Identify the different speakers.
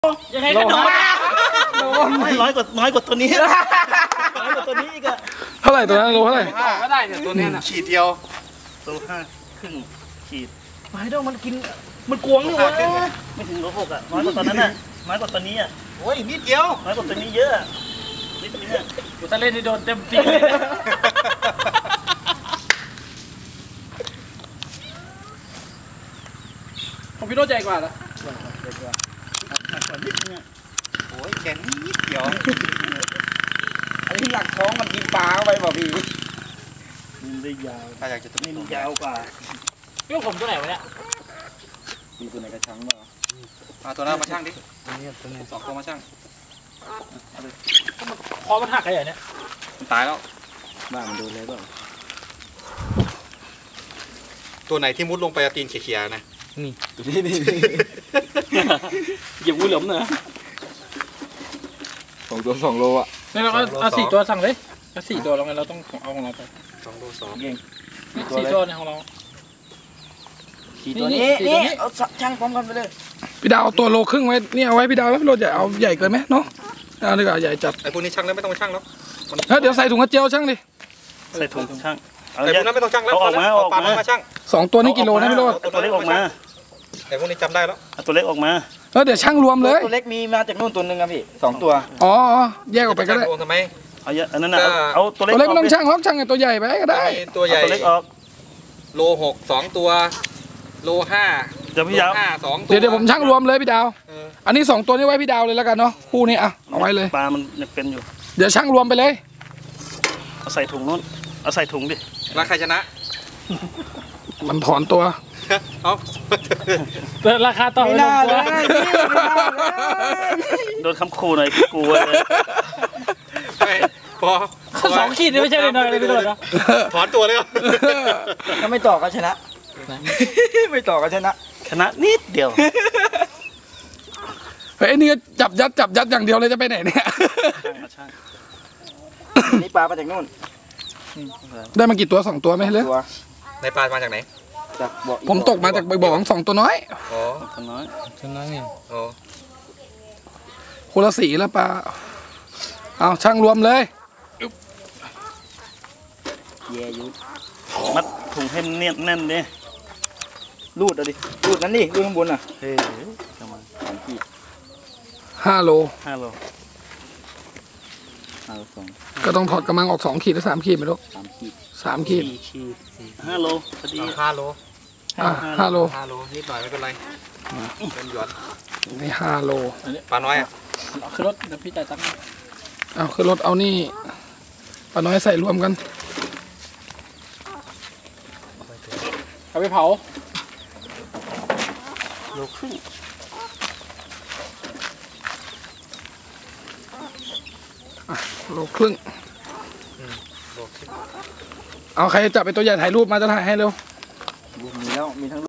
Speaker 1: ยังไงก็โดนน้อยกว่าตัวนี้น้อยกว่าตัวนี้อีกอะ
Speaker 2: เท่าไหร่ตัวนั้นโลเท่าไหร่
Speaker 3: ก็ได้เนี่ยตัวนี้นะ
Speaker 4: ขีดเดียว
Speaker 1: โล5.5ขีด
Speaker 3: ไม้ดองมันกินมันกวงนี่วะ
Speaker 1: ไม่ถึงโล6อะน้อยกว่าตอนนั้นน่ะน้อยกว่าตัวนี้อะ
Speaker 4: โอ้ยนิดเดียว
Speaker 1: น้อยกว่าตัวนี้เยอะนิดนึงอะ
Speaker 3: กูถ้าเล่นนี่โดนเต็มตีเลยของพี่โน้ตใหญ่กว่าเหรอ
Speaker 1: หนักกว่านิดนึงอะ
Speaker 4: โอ้ยแกนิดเดียว
Speaker 3: อันนี้หลักท้องมันกินปลาเข้าไปเปล่าพี่
Speaker 1: มันได้ยาว
Speaker 4: ถ้าอยากจะ
Speaker 1: นี่มันยาวกว่า
Speaker 3: พี่ผมตัวไหนวะเนี่ย
Speaker 1: มีตัวไหนกระชังบ้าง
Speaker 4: เอาตัวนั้นมาช่างดิ2 ตัวมาช่าง
Speaker 3: คอมันหักอะไรเนี่ย
Speaker 4: มันตายแล้ว
Speaker 1: บ้ามันโดนเลยเปล่า
Speaker 4: ตัวไหนที่มุดลงไปตีนเขี่ยๆนะ
Speaker 1: นี่ตัวนี้เหยียบงูเหลือมเนอะ
Speaker 2: 2 ตัว 2 โลอ่ะ
Speaker 3: นี่เราเอา4 ตัวสั่งเลยเอา4 ตัวแล้วไงเราต้องเอาของเราไป
Speaker 4: 2 โล 2
Speaker 1: เก่ง
Speaker 3: 4 ตัวในของเรา
Speaker 1: 4 ตัวนี้เอาช่างพร้อมกันไปเลย
Speaker 2: พี่ดาวเอาตัวโลครึ่งไว้นี่เอาไว้พี่ดาวไว้พี่โลใหญ่เอาใหญ่เกินไหมเนาะเอาดีกว่าใหญ่จัด
Speaker 4: ไอ้พวกนี้ช่างแล้วไม่ต้องมาช่างแล้ว
Speaker 2: เดี๋ยวใส่ถุงกระเจียวช่างดิ
Speaker 1: ใส่ถุงช่าง
Speaker 4: แต่พวกนั้นไม่ต้องช่างแล้ว
Speaker 1: ออกมา
Speaker 4: ช่าง
Speaker 2: 2 ตัวนี้กิโลนะพี่โล
Speaker 1: ตัวเล็กออกมา
Speaker 4: แต่พวกนี้จำได้แล้ว
Speaker 1: ตัวเล็กออกมา
Speaker 2: เดี๋ยวช่างรวมเลย
Speaker 1: ตัวเล็กมีมาจากนู่นตัวนึงครับพี่2 ตัว
Speaker 2: อ๋อแยกออกไปก็ได้
Speaker 4: ทำไม
Speaker 1: เอาเยอะอันนั้นนะเอาตัวเล็ก
Speaker 2: ไม่ต้องช่างล็อกช่างตัวใหญ่ไปก็ได้
Speaker 4: ตัวใหญ่
Speaker 1: ตัวเล็กออก
Speaker 4: โล 6 2 ตัวโล 5
Speaker 1: เดี๋ยวพี่ยาว
Speaker 4: 2 ตัว
Speaker 2: เดี๋ยวผมช่างรวมเลยพี่ดาวอันนี้2 ตัวนี้ไว้พี่ดาวเลยแล้วกันเนาะคู่นี้เอาไว้เลย
Speaker 1: ปลามันยังเป็นอยู่
Speaker 2: เดี๋ยวช่างรวมไปเลย
Speaker 1: เอาใส่ถุงนู้นเอาใส่ถุงดิ
Speaker 4: แล้วใครชนะ
Speaker 2: มันถอนตัว
Speaker 4: เอา
Speaker 3: ราคาต่อไม่น่าเลย
Speaker 1: โดนคำขู่หน่อยกลัวเลย
Speaker 4: พอ
Speaker 3: 2 ขีดไม่ใช่เลยน้อยเลยพี่โดนนะ
Speaker 4: ถอนตัวเลย
Speaker 1: ถ้าไม่ต่อก็ชนะไม่ต่อก็ชนะนิดเดียว
Speaker 2: เฮ้ยนี่ก็จับยัดอย่างเดียวเลยจะไปไหนเนี่ย
Speaker 1: นี่ปลามาจากนู่น
Speaker 2: ได้มากี่ตัว2 ตัวไหมเลย
Speaker 4: ในปลามาจากไหน
Speaker 2: ผมตกมาจากบ่อของ2 ตัวน้อย
Speaker 4: อ๋อ
Speaker 1: ตัวน้อย
Speaker 3: นี่
Speaker 4: อ๋อ
Speaker 2: คนละสีแล้วปลาเอาช่างรวมเลย
Speaker 1: แย่ยุมัดถุงให้เนียนแน่นดิรูดเอาดิรูดนั้นดิรูดข้างบนอ่ะเฮ้ยประมาณ3 ขีด
Speaker 2: 5 โล
Speaker 1: 2
Speaker 2: ก็ต้องถอดกระมังออก2 ขีดหรือ3 ขีดไม่รู้3 ขีด
Speaker 1: 5 โลพอดี
Speaker 4: 5 โล
Speaker 2: 5 โล
Speaker 4: นิดหน่อยไม่เป็นไรเป็นหยวน
Speaker 2: นี่5 โล
Speaker 4: ปลาน้อย
Speaker 3: คือรถเดี๋ยวพี่จ่ายตังค์
Speaker 2: เอาคือรถเอานี่ปลาน้อยใส่รวมกัน
Speaker 3: เอาไปเผา
Speaker 1: โลครึ่ง
Speaker 2: โลครึ่งเอาใครจับไปตัวใหญ่ถ่ายรูปมาจะถ่ายให้เร็ว
Speaker 1: มีแล้วมีทั้ง